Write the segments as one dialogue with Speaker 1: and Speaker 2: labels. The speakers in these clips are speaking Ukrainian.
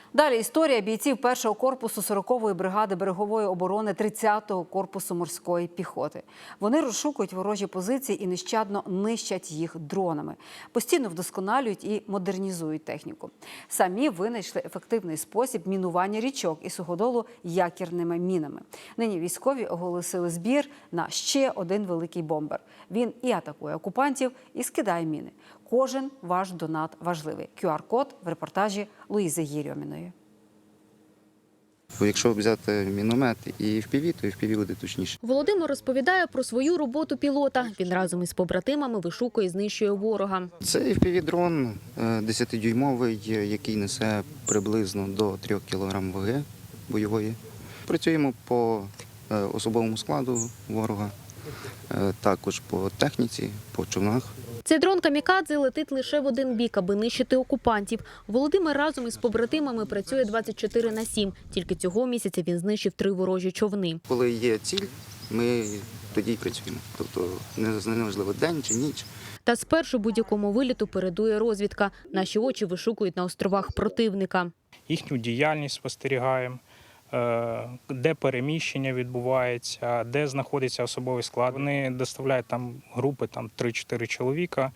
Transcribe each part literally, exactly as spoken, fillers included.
Speaker 1: Далі історія бійців першого корпусу сорокової бригади берегової оборони тридцятого корпусу морської піхоти. Вони розшукують ворожі позиції і нещадно нищать їх дронами. Постійно вдосконалюють і модернізують техніку. Самі винайшли ефективний спосіб мінування річок і суходолу якірними мінами. Нині військові оголосили збір на ще один великий бомбер. Він і атакує окупантів, і скидає міни. Кожен ваш донат важливий. ку ар код в репортажі Луїзи Єрьоміної.
Speaker 2: Якщо взяти міномет і еф пі ві, то еф пі ві буде точніше.
Speaker 3: Володимир розповідає про свою роботу пілота. Він разом із побратимами вишукує і знищує ворога.
Speaker 2: Це еф пі ві-дрон десятидюймовий, який несе приблизно до трьох кілограм ваги бойової. Працюємо по особовому складу ворога, також по техніці, по човнах.
Speaker 3: Цей дрон камікадзе летить лише в один бік, аби нищити окупантів. Володимир разом із побратимами працює двадцять чотири на сім. Тільки цього місяця він знищив три ворожі човни.
Speaker 2: Коли є ціль, ми тоді й працюємо. Тобто неважливо день чи ніч.
Speaker 3: Та спершу будь-якому виліту передує розвідка. Наші очі вишукують на островах противника.
Speaker 4: Їхню діяльність спостерігаємо, де переміщення відбувається, де знаходиться особовий склад. Вони доставляють там групи там три-чотири чоловіка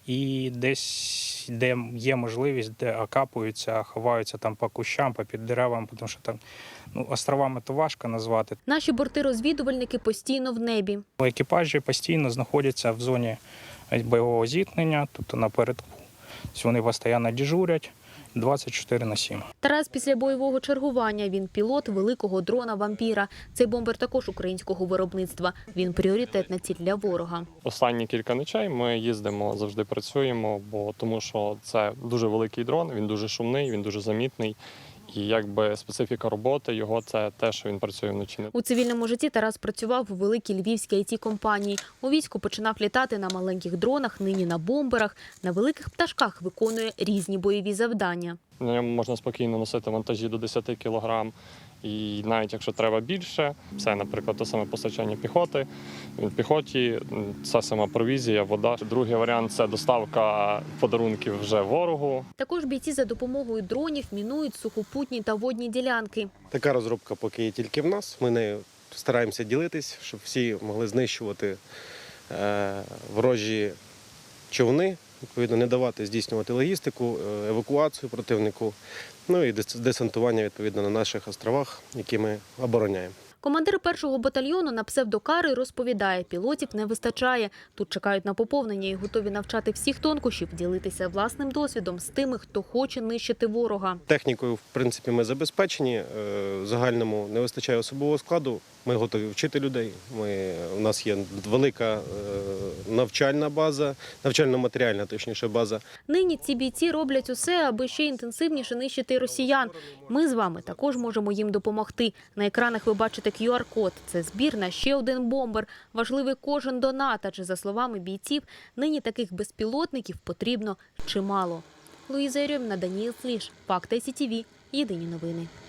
Speaker 4: і десь, де є можливість, де окапуються, ховаються там по кущам, по під деревам, тому що там ну, островами то важко назвати.
Speaker 3: Наші борти-розвідувальники постійно в небі.
Speaker 4: Екіпажі постійно знаходяться в зоні бойового зіткнення, тобто напередку. Вони постійно дежурять. двадцять чотири на сім.
Speaker 3: Тарас після бойового чергування. Він пілот великого дрона «Вампіра». Цей бомбер також українського виробництва. Він пріоритетна ціль для ворога.
Speaker 5: Останні кілька ночей ми їздимо, завжди працюємо, бо тому що це дуже великий дрон, він дуже шумний, він дуже замітний. І якби специфіка роботи його – це те, що він працює вночі.
Speaker 3: У цивільному житті Тарас працював у великій львівській ай ті-компанії. У війську починав літати на маленьких дронах, нині на бомберах. На великих пташках виконує різні бойові завдання.
Speaker 5: На ньому можна спокійно носити вантажі до десяти кілограм. І навіть якщо треба більше, це, наприклад, те саме постачання піхоти. В піхоті це сама провізія, вода. Другий варіант – це доставка подарунків вже ворогу.
Speaker 3: Також бійці за допомогою дронів мінують сухопутні та водні ділянки.
Speaker 6: Така розробка поки є тільки в нас. Ми нею стараємося ділитись, щоб всі могли знищувати е, ворожі човни, відповідно, не давати здійснювати логістику, евакуацію противнику, ну і десантування, відповідно, на наших островах, які ми обороняємо.
Speaker 3: Командир першого батальйону на псевдокари розповідає, пілотів не вистачає. Тут чекають на поповнення і готові навчати всіх тонкощів, ділитися власним досвідом з тими, хто хоче нищити ворога.
Speaker 6: Технікою, в принципі, ми забезпечені. В загальному не вистачає особового складу. Ми готові вчити людей. Ми, у нас є велика навчальна база, навчально-матеріальна, точніше, база.
Speaker 3: Нині ці бійці роблять усе, аби ще інтенсивніше нищити росіян. Ми з вами також можемо їм допомогти. На екранах ви бачите ку ар код. Це збір на ще один бомбер. Важливий кожен донат, адже, за словами бійців, нині таких безпілотників потрібно чимало. Луїза Єрьоміна, Даніїл Сліж, Факти ай сі ті ві. Єдині новини.